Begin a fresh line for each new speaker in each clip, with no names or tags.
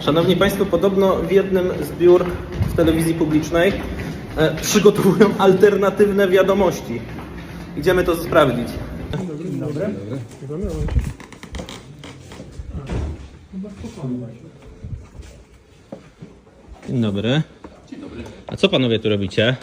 Szanowni Państwo, podobno w jednym z biur w telewizji publicznej przygotowują alternatywne wiadomości. Idziemy to sprawdzić.
Dzień dobry.
Dzień dobry. A co panowie tu robicie?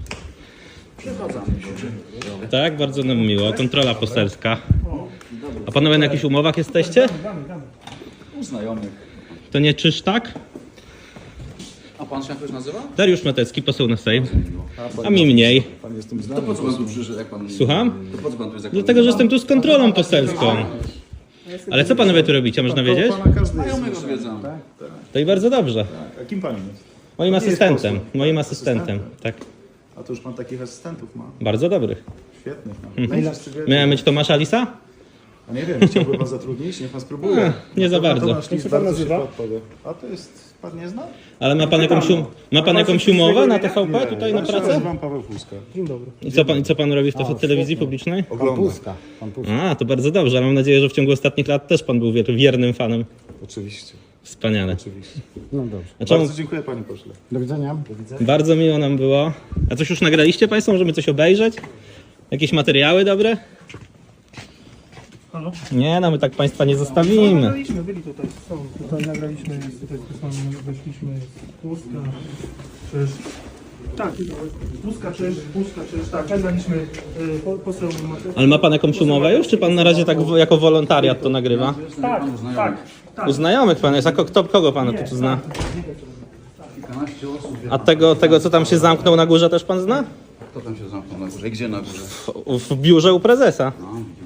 Tak, bardzo nam miło. Kontrola poselska. A panowie na jakichś umowach jesteście?
U znajomych.
To nie czyż tak?
A pan się jakoś nazywa?
Dariusz Matecki, poseł na Sejm. A mi mniej.
Pan jest tym znany. To po co pan tu przyszedł, jak pan...
Słucham?
To po co pan tu jest, jak
Dlatego, że jestem tu z kontrolą poselską. Ale co panowie tu robicie, można wiedzieć?
Znajomych odwiedzam.
To i bardzo dobrze.
A kim pan jest?
Moim asystentem. Moim asystentem, tak.
A to już pan takich asystentów ma.
Bardzo dobrych.
Świetnych. No.
Miałem być Tomasza Lisa?
A nie wiem, chciałby pan zatrudnić? Niech pan spróbuje.
Nie za bardzo.
Tomasz Lis bardzo szybko odpowie. A to jest... Pan nie zna?
Ale ma pan jakąś umowę na TVP tutaj na
Ja się
pracę?
nazywam Paweł Fuska. Dzień dobry.
I co pan robi w telewizji publicznej?
Oglądam.
A, to bardzo dobrze. Ale mam nadzieję, że w ciągu ostatnich lat też pan był wiernym fanem.
Oczywiście.
Wspaniale.
Oczywiście.
No dobrze.
A czemu?
Bardzo dziękuję panie pośle.
Do widzenia.
Bardzo miło nam było. A coś już nagraliście państwo? Możemy coś obejrzeć? Jakieś materiały dobre?
Halo?
Nie, no my tak państwa nie zostawimy.
Nagraliśmy, byli tutaj, są. Tutaj nagraliśmy, tutaj weszliśmy z Puska, Czyż. Tak, Puska, Czyż, tak, nagraliśmy poseł Mateusz.
Ale ma pan jakąś umowę już, czy pan na razie tak jako wolontariat to nagrywa?
Tak.
U znajomych pan jest, a kogo pan tu zna?
Kilkanaście osób.
A tego co tam się zamknął na górze też pan zna?
Kto tam się zamknął na górze? I gdzie na górze?
W biurze u prezesa.
No,